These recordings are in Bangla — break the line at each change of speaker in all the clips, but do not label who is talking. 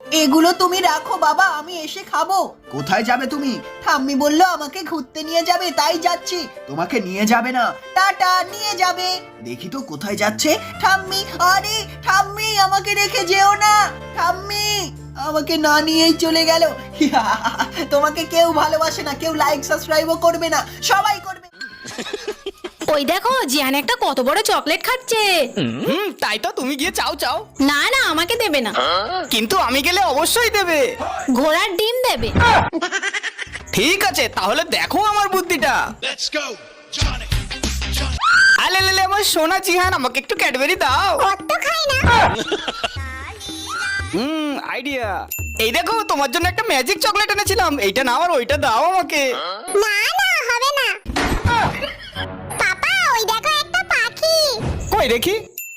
এগুলো তুমি রাখো বাবা, আমি এসে খাবো।
কোথায় যাবে তুমি?
ঠাম্মি বললো আমাকে ঘুরতে নিয়ে যাবে, তাই যাচ্ছি।
তোমাকে নিয়ে যাবে না।
টাটা, নিয়ে যাবে।
দেখি তো কোথায় যাচ্ছে।
ঠাম্মি, আরে ঠাম্মি, আমাকে রেখে যেও না। ঠাম্মি আমাকে না নিয়েই চলে গেল। তোমাকে কেউ ভালোবাসে না, কেউ লাইক সাবস্ক্রাইবও করবে না, সবাই করবে।
ওই দেখো জিয়ান একটা কত বড় চকলেট খাচ্ছে।
তাই তো, তুমি গিয়ে চাও চাও।
না না, আমাকে দেবে না।
কিন্তু আমি গেলে অবশ্যই দেবে।
ঘোড়ার ডিম দেবে।
ঠিক আছে, তাহলে দেখো আমার বুদ্ধিটা। আলে লে আমার সোনা জিহান, আমাকে একটু ক্যাডবেরি দাও।
অত খাই না।
আইডিয়া। এই দেখো, তোমার জন্য একটা ম্যাজিক চকলেট এনেছিলাম। এইটা নাও আর ওইটা দাও আমাকে।
না না, হবে না। পাপা, ওই দেখো একটা পাখি।
কই দেখি।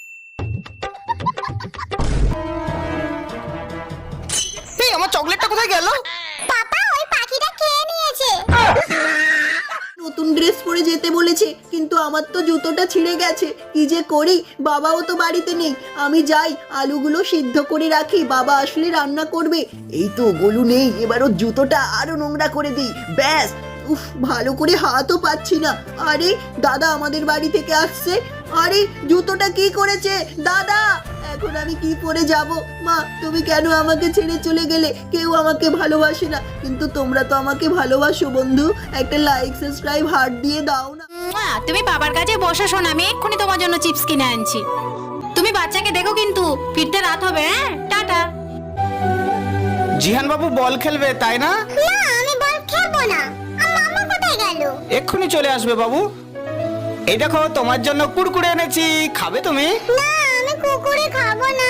এই আমার চকলেটটা কোথায় গেল?
পাপা, ওই পাখিটা খেয়ে নিয়েছে।
নতুন ড্রেস পরে যেতে বলেছে, কিন্তু আমার তো জুতোটা ছিঁড়ে গেছে। কি যে করি, বাবাও তো বাড়িতে নেই। আমি যাই, আলুগুলো সিদ্ধ করে রাখি, বাবা আসলে রান্না করবে।
এই তো গোলু নেই, এবার ওর জুতোটা আরো নোংরা করে দিই, ব্যাস।
উফ, ভালো করে হাতও পাচ্ছি না। আরে দাদা আমাদের বাড়ি থেকে আসছে। আরে জুতোটা কি করেছে দাদা? এখন আমি কি পরে যাব? মা, তুমি কেন আমাকে ছেড়ে চলে গেলে? কেউ আমাকে ভালোবাসে না, কিন্তু তোমরা তো আমাকে ভালোবাসো বন্ধু। একটা লাইক সাবস্ক্রাইব হার্ট দিয়ে দাও না।
তুমি বাবার কাছে বসো, শোন, আমি এক্ষুনি তোমার জন্য চিপস কিনে আনছি। তুমি বাচ্চাকে দেখো, কিন্তু ফিরতে রাত হবে। হ্যাঁ, টাটা।
জিহান বাবু বল খেলবে, তাই না?
না, আমি বল খেলবো না। মামা কোথায় গেল?
এক্ষুনি চলে আসবে বাবু। এই দেখো, তোমার জন্য কুরকুরে এনেছি, খাবে তুমি?
না, আমি কুকুরে খাবো না।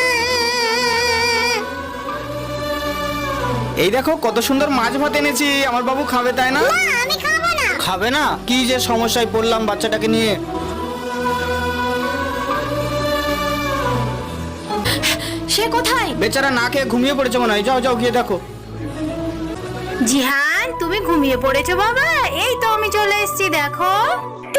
এই দেখো কত সুন্দর মাছ ভাত এনেছি, আমার বাবু খাবে, তাই না?
না, আমি খাবো না।
খাবে না? কি যে সমস্যায় পড়লাম বাচ্চাটাকে নিয়ে।
সে কোথায়?
বেচারা না খেয়ে ঘুমিয়ে পড়েছে মনে হয়। যাও যাও, গিয়ে দেখো।
জিহান, তুমি ঘুমিয়ে পড়েছো বাবা? এই তো আমি চলে এসেছি, দেখো।